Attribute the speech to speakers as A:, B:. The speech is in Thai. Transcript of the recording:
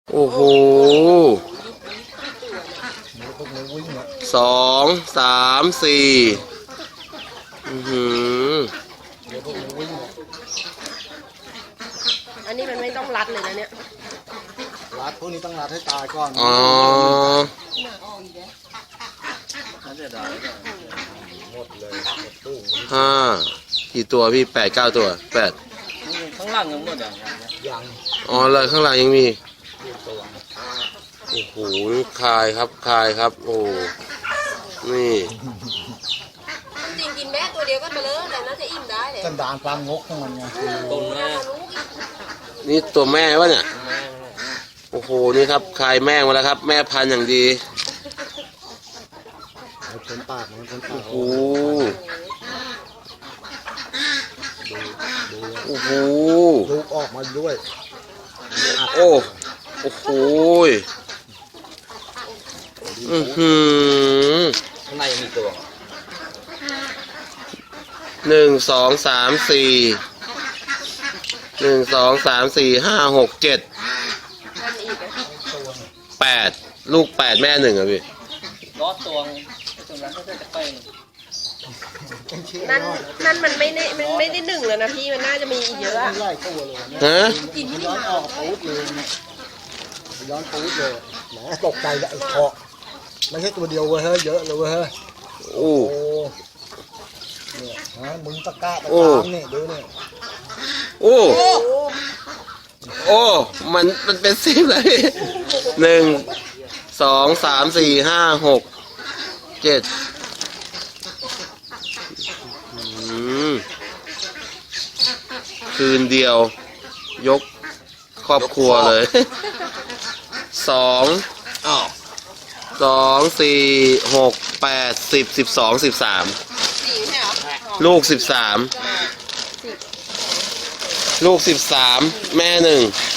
A: โอ้โห2 3 4
B: อันนี้มันไม่ต้องรัดเลยนะเนี่ย
C: รัดพวกนี้ต้องรัดให้ตายก่อน
A: อ๋อ
C: หมดเลยหมดตู้
A: 5กี่ตัวพี่8 9 ตัว8
D: ข้างล่างยังหมด
C: ยัง
A: อ๋อเลยข้างหลังยังมี
C: ตัว
A: โอ้โหคายครับคายครับโอ้นี่
B: จริงกินแม่ตัวเดียวก็ไปเลยแต่น่าจะอิ่มได้เลย
C: กันดานความงกของมันไง
D: ต้นแม่
A: นี่ตัวแม่วะเนี่ยโอ้โหนี่ครับคายแม่มาแล้วครับแม่พันธุ์อย่างดี
C: มันเป็นปากมันเป็นปาก
A: โอ้โหโอ้โห
C: ลูกออกมาด้วย
A: โอ้โอ้โห
D: ข้างในยังมีตัว
A: 1 2 3 4 1 2 3 4 5 6 7 8ลูก8แม่1อ่ะพี่
D: รอดตัวตัวนั้นก็จะไป
B: นั่นมันไม่ได้หนึ่งแล้วนะพี่มันน่าจะมีอีกเยอะอะ
C: ไล่ตัวเลย
A: ฮะ
C: ย้อนออกปูดเลยย้อนปูดเลยแหมตกใจเลยไอ้เคาะไม่ใช่ตัวเดียวเว้ยเฮ้ยเยอะเลยเว้ยเฮ้ย
A: โอ้
C: เนี่ยฮะมึงตะกร้าตะกร้ามนี่ดูนี่
A: โอ้โอ้มันเป็น10เลย1 2 3 4 5 6 7คืนเดียวยกครอบครัวเลย2 4 6 8 10 12 13ลูก13ลูก13แม่1